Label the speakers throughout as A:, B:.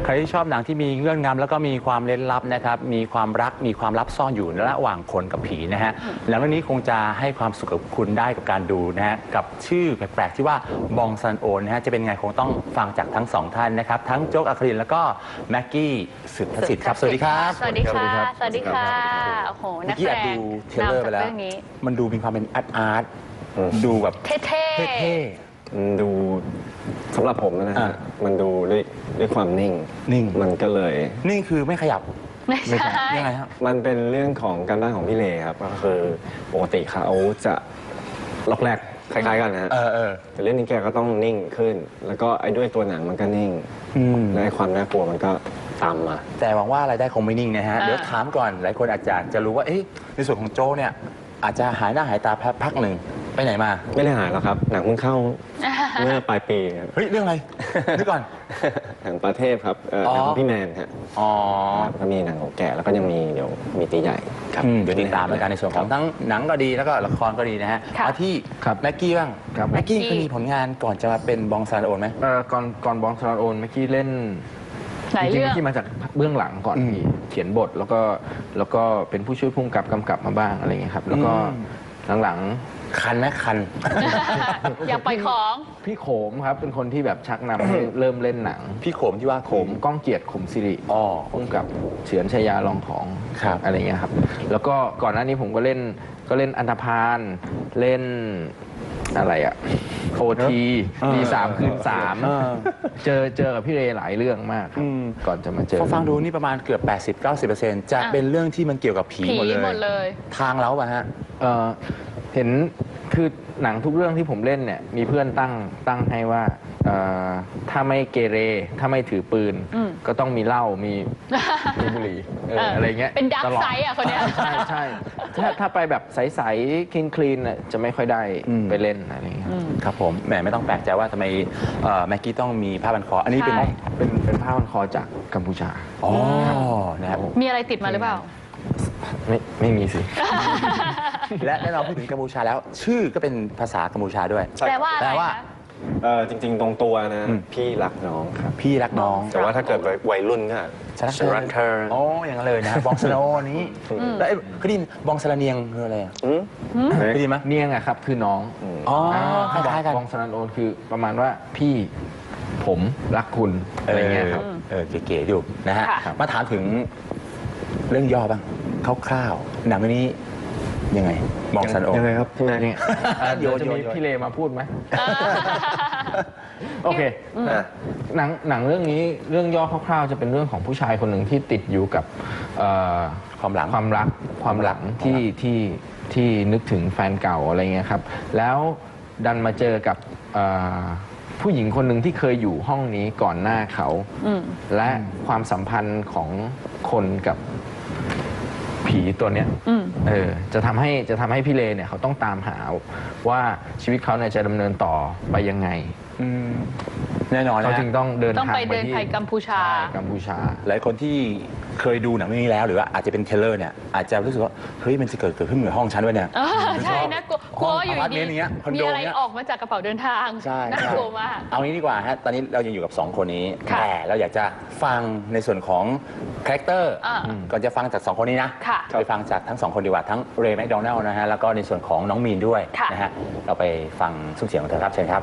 A: รที่ชอบหนังที่มีเงื่อนงำแล้วก็มีความเร้นลับนะครับมีความรักมีความลับซ่อนอยู่ระหว่างคนกับผีนะฮะแล้วเรื่องนี้คงจะให้ความสุขกับคุณได้กับการดูนะฮะกับชื่อแปลกๆที่ว่าบองซันโอนนะฮะจะเป็นไงคงต้องฟังจากทั้งสองท่านนะครับทั้งโจ๊กอัครินทร์แล้วก็แม็กกี้สืบทศิษฐ์ครับสวัสดีครับ
B: สวัสดีค่ะสวัสดีค่ะโอ้โหนักแสดง
A: ดูเทรลเลอร์ไปแล้วมันดูมีความเป็นอาร์ตดูแบบ
B: เท่
C: ดูสำหรับผมนะฮะมันดูด้วยความนิ่งมันก็เลย
A: นิ่งคือไม่ขยับ
B: ไม่ใช่
A: ยังไงครับ
C: มันเป็นเรื่องของการบ้านของพี่เลครับก็คือปกติเขาจะล็อกแรกคล้ายๆกันนะฮะแต่เรื่องนี้แกก็ต้องนิ่งขึ้นแล้วก็ไอ้ด้วยตัวหนังมันก็นิ่งและความน่ากลัวมันก็ตามมา
A: แต่หวังว่ารายได้คงไม่นิ่งนะฮะเดี๋ยวถามก่อนหลายคนอาจจะรู้ว่าในส่วนของโจ้เนี่ยอาจจะหายหน้าหายตาพักหนึ่งไปไหนมา
C: ไม่ได้หายหรอกครับหนังเพิ่งเข้าเมื่อปลายปี
A: เฮ้ยเรื่องอะไรนึกก่อน
C: หนังประเทศครับหนังของพี่แมนฮะก็มีหนังของแกแล้วก็ยังมีเดี๋ยวมีตีใหญ่
A: ครับเดี๋ยวติดตามรายการในส่วนของทั้งหนังก็ดีแล้วก็ละครก็ดีนะฮะมาที่แม็กกี้บ้างแม็กกี้เคยมีผลงานก่อนจะมาเป็นบองซานโอนไหม
D: ก่อนบองซานโอนแม็กกี้เล่นจริงๆที่มาจากเบื้องหลังก่อนเขียนบทแล้วก็เป็นผู้ช่วยผู้กำกับมาบ้างอะไรเงี้ยครับแล้วก็หลัง
A: คันไหมคัน
B: อยากปล่อยของ
D: พี่โขมครับเป็นคนที่แบบชักนำให้เริ่มเล่นหนัง
A: พี่โขมที่ว่า
D: โขมก้องเกียรติขมสิริพุ่งกับเฉือนชยาลองของอะไรเงี้ยครับแล้วก็ก่อนหน้านี้ผมก็เล่นอันธพาลเล่นอะไรอะโอทีมี3 คืน 3เจอกับพี่เรหลายเรื่องมากก่อนจะมาเจอ
A: ฟังดูนี่ประมาณเกือบ 80-90%จะเป็นเรื่องที่มันเกี่ยวกับผีหมดเลยทางแล้วป่ะฮะ
D: เห็นคือหนังทุกเรื่องที่ผมเล่นเนี่ยมีเพื่อนตั้งให้ว่าถ้าไม่เกเรถ้าไม่ถือปืนก็ต้องมีเหล้ามีบุหรี่อะไรเงี้ย
B: เป็นดักไซส์อ่ะคนเนี้ย
D: ใช่ถ้าไปแบบใสๆคลีนจะไม่ค่อยได้ไปเล่นอะไรเงี้ย
A: ครับผมแหมไม่ต้องแปลกใจว่าทำไมแม็กกี้ต้องมีผ้าพันคออันนี้
D: เป็นผ้าพันคอจากกัมพูชา
A: นะครับ
B: มีอะไรติดมาหรือเปล่า
D: ไม่มีสิ
A: และแน่นอนพูดถึงกัมพูชาแล้วชื่อก็เป็นภาษากัมพูชาด้วย
B: แปลว่าอะไร
C: จริงๆตรงตัวนะพี่รักน้องครับ
A: พี่รักน้อง
C: แต่ว่าถ้าเกิดวัยรุ่นก็
A: ฉันรักเธออย่างนั้นเลยนะบองสโนนี้แล้วเคยได้ยินบองสลาเนียงคืออะไรเคยได้ยินไหม
D: เนียงอะครับคือน้อง
A: คล้ายๆกัน
D: บองสลาโอนคือประมาณว่าพี่ผมรักคุณอะไรเงี้ยครับ
A: เก๋ๆอยู่นะฮะมาถามถึงเรื่องย่อบ้างคร่าวๆหนังนี้ยังไงบองซันโอ
C: ยังไงครับพี่แม่
D: เดี๋ยวจะมีพี่เลมาพูดไหมโอเคหนังเรื่องนี้เรื่องย่อคร่าวๆจะเป็นเรื่องของผู้ชายคนหนึ่งที่ติดอยู่กับ
A: ความรัก
D: ที่นึกถึงแฟนเก่าอะไรเงี้ยครับแล้วดันมาเจอกับผู้หญิงคนหนึ่งที่เคยอยู่ห้องนี้ก่อนหน้าเขาและความสัมพันธ์ของคนกับผีตัวเนี้ยจะทำให้พี่เลเนี่ยเขาต้องตามหาว่าชีวิตเขาเนี่ยจะดำเนินต่อไปยังไง
A: แน่นอน
D: เขาจึงต้องเดินทาง
B: ไปที่กัมพูชา
A: หลายคนที่เคยดูหนังเรื่องนี้แล้วหรือว่าอาจจะเป็นเทเลอร์เนี่ยอาจจะรู้สึกว่าเฮ้ยมันจะเกิดขึ้นเหมือนห้องชั้นวะเนี่ย
B: ใช่นะกลัวอยู่ดีมีอะไรออกมาจากกระเป๋าเดินทางน่ากลัวมาก
A: เอางี้ดีกว่าฮะตอนนี้เรายังอยู่กับ2คนนี้แต่เราอยากจะฟังในส่วนของคาแรคเตอร์ก่อนจะฟังจาก2คนนี้นะไปฟังจากทั้ง2คนดีกว่าทั้งเรย์แมคโดนัลล์นะฮะแล้วก็ในส่วนของน้องมีนด้วยนะฮะเราไปฟังซุ้มเสียงของเธอครับเชิญครับ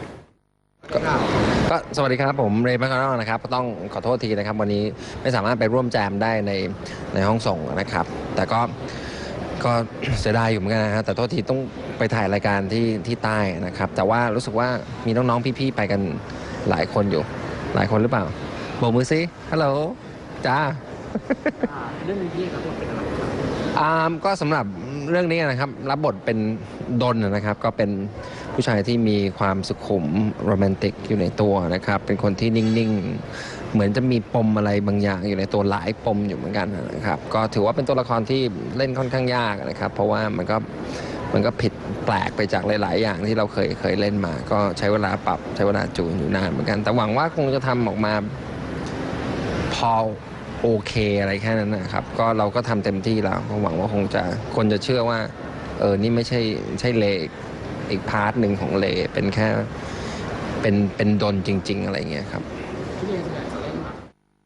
E: ก็สวัสดีครับผมเรย์แมคโดนัลล์นะครับต้องขอโทษทีนะครับวันนี้ไม่สามารถไปร่วมแจมได้ในห้องส่งนะครับแต่ก็เสียดายอยู่เหมือนกันนะฮะแต่โทษทีต้องไปถ่ายรายการที่ใต้นะครับแต่ว่ารู้สึกว่ามีน้องๆพี่ๆไปกันหลายคนอยู่หลายคนหรือเปล่าโบกมือซิฮัลโหลจ้าเรื่องนี้ครับเป็นอะไรก็สำหรับเรื่องนี้นะครับรับบทเป็นดนนะครับก็เป็นผู้ชายที่มีความสุขุมโรแมนติกอยู่ในตัวนะครับเป็นคนที่นิ่งๆเหมือนจะมีปมอะไรบางอย่างอยู่ในตัวหลายปมอยู่เหมือนกันนะครับก็ถือว่าเป็นตัวละครที่เล่นค่อนข้างยากนะครับเพราะว่ามันก็ผิดแปลกไปจากหลายๆอย่างที่เราเคยเล่นมาก็ใช้เวลาปรับใช้เวลาจูนอยู่นานเหมือนกันแต่หวังว่าคงจะทำออกมาพอโอเคอะไรแค่นั้นนะครับก็เราก็ทำเต็มที่แล้วหวังว่าคนจะเชื่อว่านี่ไม่ใช่เลอีกพาร์ทหนึ่งของเลเป็นแค่เป็นดนจริงๆอะไรเงี้ยครับ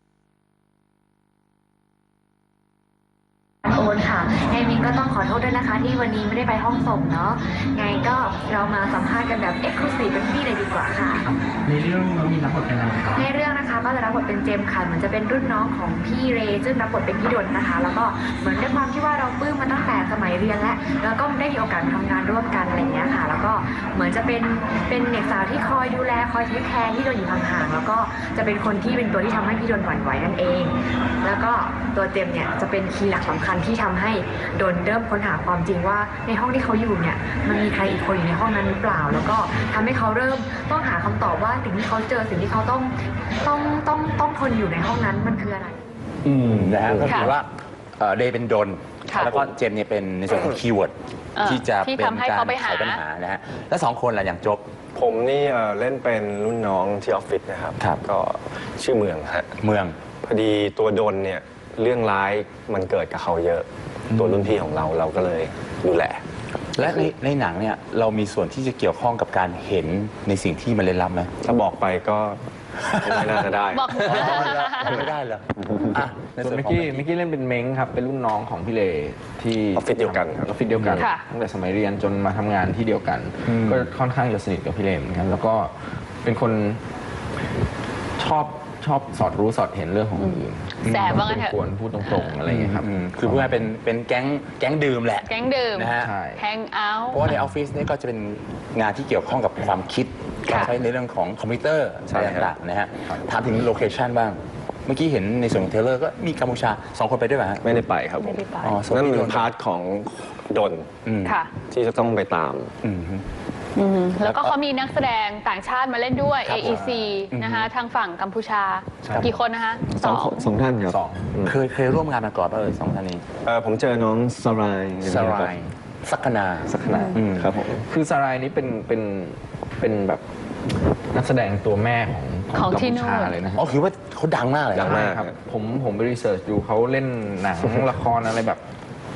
F: คนค่ะไงมินก็ต้องขอโทษด้วยนะคะที่วันนี้ไม่ได้ไปห้องส่งเนาะไงก็เรามาสัมภาษณ์กันแบบเอ็กซ์คลูซีฟเป็นพี่เลยดีกว่าค่ะในเรื่องน้องมินรับบทเป็นอะไรคะในเรื่องนะคะก็จะรับบทเป็นเจมส์ค่ะเหมือนจะเป็นรุ่นน้องของพี่เรย์ซึ่งรับบทเป็นพี่ดนนะคะแล้วก็เหมือนด้วยความที่ว่าเราปลื้มมาตั้งแต่สมัยเรียนแล้วก็ได้มีโอกาสทำงานร่วมกันอะไรอย่างเงี้ยค่ะแล้วก็เหมือนจะเป็นเด็กสาวที่คอยดูแลคอยเทคแคร์ที่โดนอยู่ห่างๆแล้วก็จะเป็นคนที่เป็นตัวที่ทำให้พี่โดนหวั่นไหวนั่นเอง แล้วก็ตัวเจมเนี่ยจะเป็นคีย์หลักสำคัญที่ทำให้โดนเริ่มค้นหาความจริงว่าในห้องที่เขาอยู่เนี่ยมันมีใครอีกคนอยู่ในห้องนั้นหรือเปล่า แล้วก็ทำให้เขาเริ่มต้องหาคำตอบว่าสิ่งที่เขาเจอสิ่งที่เขาต้องทนอยู่ในห้องนั้นมันคืออะไร
A: นะฮะก็คือว่าเดย์เป็นดนแล้วก็เจมเนี่ยเป็นในส่วนของคีย์เวิร์ดที่จะเป็นการไขปัญหานะฮะแล้ว2 คนล่ะอย่างจบ
C: ผมนี่เล่นเป็นรุ่นน้องที่ออฟฟิศนะครับก็ชื่อเมืองฮะ
A: เมือง
C: พอดีตัวดนเนี่ยเรื่องร้ายมันเกิดกับเขาเยอะตัวรุ่นพี่ของเราก็เลยดูแล
A: และในหนังเนี่ยเรามีส่วนที่จะเกี่ยวข้องกับการเห็นในสิ่งที่มันเล่นลับไหม
C: ถ้าบอกไปก็ไม่น่าจะได้
B: บอก
A: ไม่ได้เหรอ
D: ส่วนเมื่อกี้เล่นเป็นเม้งครับเป็นรุ่นน้องของพี่เลที่
C: ออฟฟิศเดียวกันครับ
D: ออฟฟิศเดียวกันตั้งแต่สมัยเรียนจนมาทำงานที่เดียวกันก็ค่อนข้างจะสนิทกับพี่เลเหมือนกันแล้วก็เป็นคนชอบสอดรู้สอดเห็นเรื่องของคนอื่น
B: แสบว่างั้นเถอะ
D: ควรพูดตรงๆอะไรอย่างเงี้ยครับ
A: คือเพื่อเป็นแก๊งดื่มแหละ
B: แก๊งดื่ม
A: นะฮะ
B: แฮงเอาท์
A: เพราะว่าในออฟฟิศนี่ก็จะเป็นงานที่เกี่ยวข้องกับความคิดใช้ในเรื่องของคอมพิวเตอร์อะไรต่างๆนะฮะถามถึงโลเคชันบ้างเมื่อกี้เห็นในส่วนของเทเลอร์ก็มีกัมพูชา2 คนไปด้วยไหม
C: ไม่ได้ไปครับผมนั่นเป็นพาร์ทของดนที่จะต้องไปตาม
B: แล้วก็เขามีนักแสดงต่างชาติมาเล่นด้วย AEC นะคะทางฝั่งกัมพูชากี่คนนะคะ
C: สองท่านครับ
A: เคยร่วมงานมาก่อนป่ะ2 ท่านนี้
C: ผมเจอน้องสราย
A: สักนา
C: ครับผม
D: คือสรายนี้เป็นแบบนักแสดงตัวแม่ของกัมพูชาเลยนะ
A: คือว่าเขาดังมากเลย
C: ดังมาก
D: ครับผมไปรีเสิร์ชดูเขาเล่นหนังละครอะไรแบบ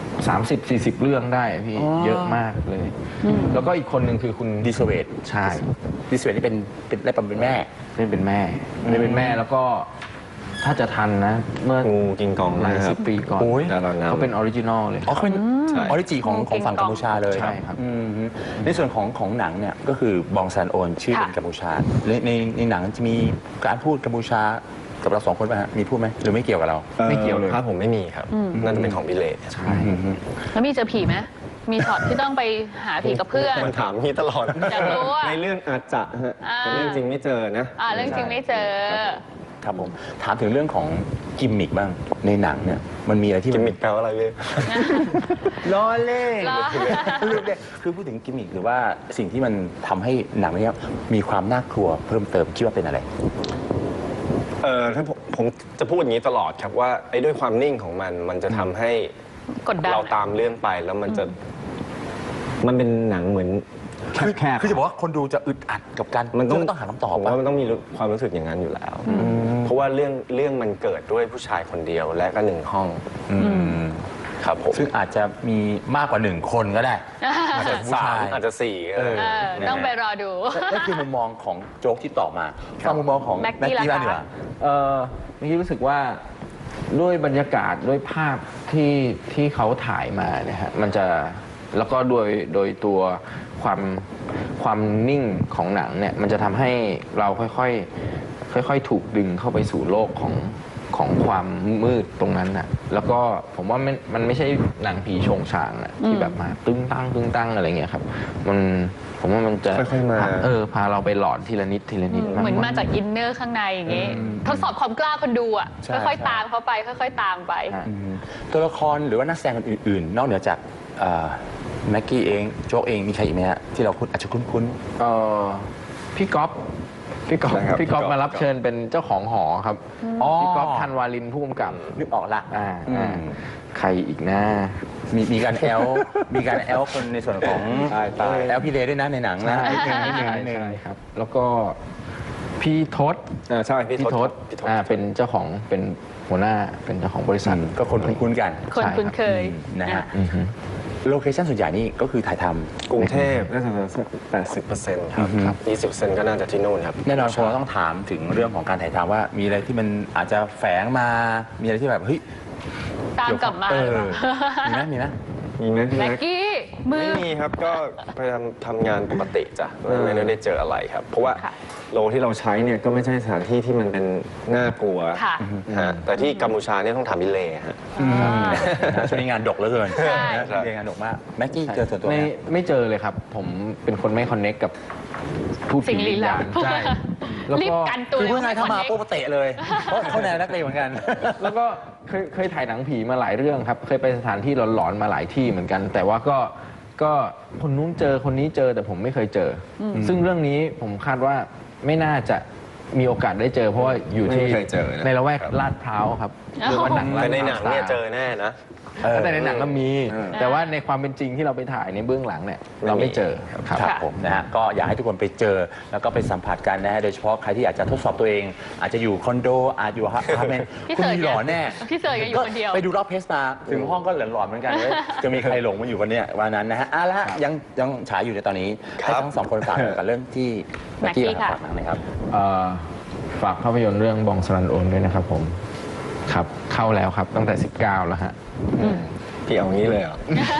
D: 30-40 เรื่องได้พี่เยอะมากเลยแล้วก็อีกคนหนึ่งคือคุณ
A: ดิสเวต
D: ใช่
A: ดิสเวตนี่เป็นแม่
D: เล่นเป็นแม่แล้วก็ถ้าจะทันนะเมื่อ
C: งูกิงกอง
D: หลาย10 ปีก่อนเขาเป็นออริจินอลเลย
A: เขาเป็นออริจิของฝั่งกัมพูชาเลย
D: ใช่ครับ
A: ในส่วนของหนังเนี่ยก็คือบองซันโอนชื่อเป็นกัมพูชาในหนังจะมีการพูดกัมพูชากับเรา2 คนป่ะฮะมีพูดไหมหรือไม่เกี่ยวกับเรา
C: ไม่เกี่ยวเลยครับผมไม่มีครับนั่นจะเป็นของพี่เลใช่
B: แล้วมีเจอผีไหมมีช็อตที่ต้องไปหาผีกับเพื่อน
C: มันถามพี่ตลอดในเรื่องอาจจะฮะแต่เรื่องจริงไม่เจอนะ
B: เรื่องจริงไม่เจอ
A: ครับผมถามถึงเรื่องของกิมมิกบ้างในหนังเนี่ยมันมีอะไรที่
C: กิมมิกแปลว่าอะไรเลย
A: ล้อเล่นคือพูดถึงกิมมิกหรือว่าสิ่งที่มันทำให้หนังนี้มีความน่ากลัวเพิ่มเติมคิดว่าเป็นอะไร
C: ถ้าผมจะพูดอย่างนี้ตลอดครับว่าไอ้ด้วยความนิ่งของมันจะทำให้เราตามเรื่องไปแล้วมันเป็นหนังเหมือน
A: แคบคือจะบอกว่าคนดูจะอึดอัดกับการ
C: มัน
A: ต้องหาคำตอบ
C: ว่ามันต้องมีความรู้สึกอย่างนั้นอยู่แล้วเพราะว่าเรื่องมันเกิดด้วยผู้ชายคนเดียวและก็1 ห้องครับผม
A: ซึ่งอาจจะมีมากกว่า1 คนก็ได้
C: อาจจะ3อาจจะ4
B: ต้องไปรอดู
A: นั่นคือมุมมองของโจ๊กที่ต่อมาฟังมุมมองของแม็กกี้บ้างดีกว่า
D: เมื่อกี้รู้สึกว่าด้วยบรรยากาศด้วยภาพที่เขาถ่ายมาเนี่ยฮะมันจะแล้วก็โดยตัวความนิ่งของหนังเนี่ยมันจะทำให้เราค่อยถูกดึงเข้าไปสู่โลกของความมืดตรงนั้นน่ะแล้วก็ผมว่ามันไม่ใช่หนังผีโฉงฉางนะที่แบบมาตึ้งตั้งอะไรเงี้ยครับผมว่ามันจะ
C: ค่อยๆมา
D: พาเราไปหลอนทีละนิด
B: เหมือนมาจากอินเนอร์ข้างในอย่างงี้ทดสอบความกล้าคนดูอ่ะค่อยๆตามเขาไปค่อยๆตามไป
A: ตัวละครหรือว่านักแสดงอื่นๆนอกเหนือจากแม็กกี้เองโจ๊กเองมีใครอีกไหมฮะที่เราอาจจะคุ้น
D: พี่ก๊อฟมารับเชิญเป็นเจ้าของหอครับพี่ก๊อฟธันวาลินผู้กำกับ
A: นึกออกละ
D: ใครอีกนะ
A: มีการแอลคนในส่วนของแอลพี่เลด้วยนะในหนังนะ
D: ใช่ครับแล้วก็พี่ทศ
C: ใช่พี่ทศ
D: เป็นเจ้าของเป็นหัวหน้าเป็นเจ้าของบริษัท
A: ก็คนคุ้นกัน
B: คนคุ้นเคย
A: นะฮะโลเคชั่นส่วนใหญ่นี่ก็คือถ่ายท
C: ำกรุงเทพน่าจะ80%ครับ20%ก็น่าจะที่โน่นครับ
A: แน่นอนพอต้องถามถึงเรื่องของการถ่ายทำว่ามีอะไรที่มันอาจจะแฝงมามีอะไรที่แบบเฮ้ย
B: ตามกลับมา
A: มีไหมมีไหม
C: มีไหมพี่
B: แม็
C: แม็
B: ก
C: ก
B: กี้มือ
C: ไม่มีครับก็พยายามทำงานปกติจ้ะไม่ได้เจออะไรครับ เพราะว่า
B: ค่ะ
C: โลที่เราใช้เนี่ยก็ไม่ใช่สถานที่ที่มันเป็นน่ากลัว
B: ค่ะ
C: ฮะแต่ที่กัมพูชาเนี่ยต้องถามพิเลฮะ
A: ช่วงนี้งานดกเหลือเกิน
B: ใช่
A: นะเรียนงานดกมากแม็กกี้เจอส่วนตัวไหม
D: ไม่เจอเลยครับ ผมเป็นคนไม่คอนเน c กกับผู้
B: สิ่
D: ผี
B: งลี้
D: วิญ
B: ลั
D: ญา
B: บ
D: ณใช่แล้ว
B: รีบ
D: ก็
B: กันตัว
A: คือเพื่อนไงเข้ามา
B: คอน
A: ปุ๊บ
B: เน็ก
A: เตะเลยเพราะเขาแนวนักเลงเหมือนกัน
D: แล้วก็เคยถ่ายหนังผีมาหลายเรื่องครับ เคยไปสถานที่หลอนๆมาหลายที่เหมือนกัน แต่ว่าก็คนนู้นเจอคนนี้เจอแต่ผมไม่เคยเจออซึ่งเรื่องนี้ผมคาดว่าไม่น่าจะมีโอกาสได้เจอ เพราะว่าอยู่ที่
C: ไม่เคยเจอนะ
D: ในละแวกลาดพร้าวครับหรือว่าหนังลา
C: แต่
D: ด
C: ใน
D: พ
C: ห
D: ร้า
C: นั
D: ว
C: งเนี่ยเจอแน่นะ
D: แต่ในหนังก็มี แต่ว่าในความเป็นจริงที่เราไปถ่ายในเบื้องหลังเนี่ยเราไม่เจอครับ
A: ครับผมนะฮะก็อยากให้ทุกคนไปเจอแล้วก็ไปสัมผัสกันนะฮะโดยเฉพาะใครที่อยากจะทดสอบตัวเอง อาจจะอยู่คอนโดอาจอยู่อพาร์ตเมนต์
B: พี่
A: คุณ
B: เสิร์ช
A: มีหลอนแน่
B: พี่เสิร์ชก็อยู่คนเดียว
A: ไปดูรอบเพสมาถึงห้องก็หลอนๆเหมือนกันเลยจะมีใครหลงมาอยู่วันเนี้ยวันนั้นนะฮะละยังฉายอยู่ในตอนนี้
C: ครับ
A: ให้ทั้งสองคนฝากกับเรื่องที่
B: แม็กกี้ค่ะ
A: ฝากหนังหน่อยครับ
D: ฝากภาพยนตร์เรื่องบองสรันโอนด้วยนะครับผมครับเข้าแล้วครับตั้งแต่ 19 แล้วฮะ
C: พี่เอางี้เลยเหรอ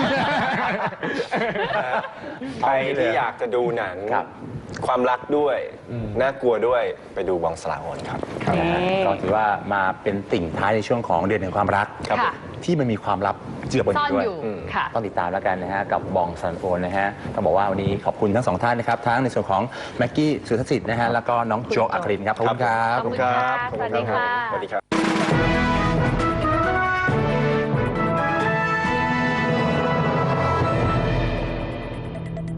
C: ใครที่อยากจะดูหนัง
A: ครับ
C: ความรักด้วยน่ากลัวด้วยไปดูบองสลาโอนครับ
A: นะฮะก็ถือว่ามาเป็นติ่งท้ายในช่วงของเดือนแห่งความรัก
B: ครับค่ะ
A: ที่มันมีความลับเจือปน
B: ซ่อน
A: ด้วย
B: อยู่ค่ะ
A: ต้องติดตามแล้วกันนะฮะกับบองซันโอนนะฮะต้องบอกว่าวันนี้ขอบคุณทั้งสองท่านนะครับทั้งในส่วนของแม็กกี้สุทธสิทธิ์นะฮะแล้วก็น้องโจอัครินทร์ครับขอบคุณครับ
B: ขอบคุณค่ะสวัสดีค่ะ
C: สวัสดีครับ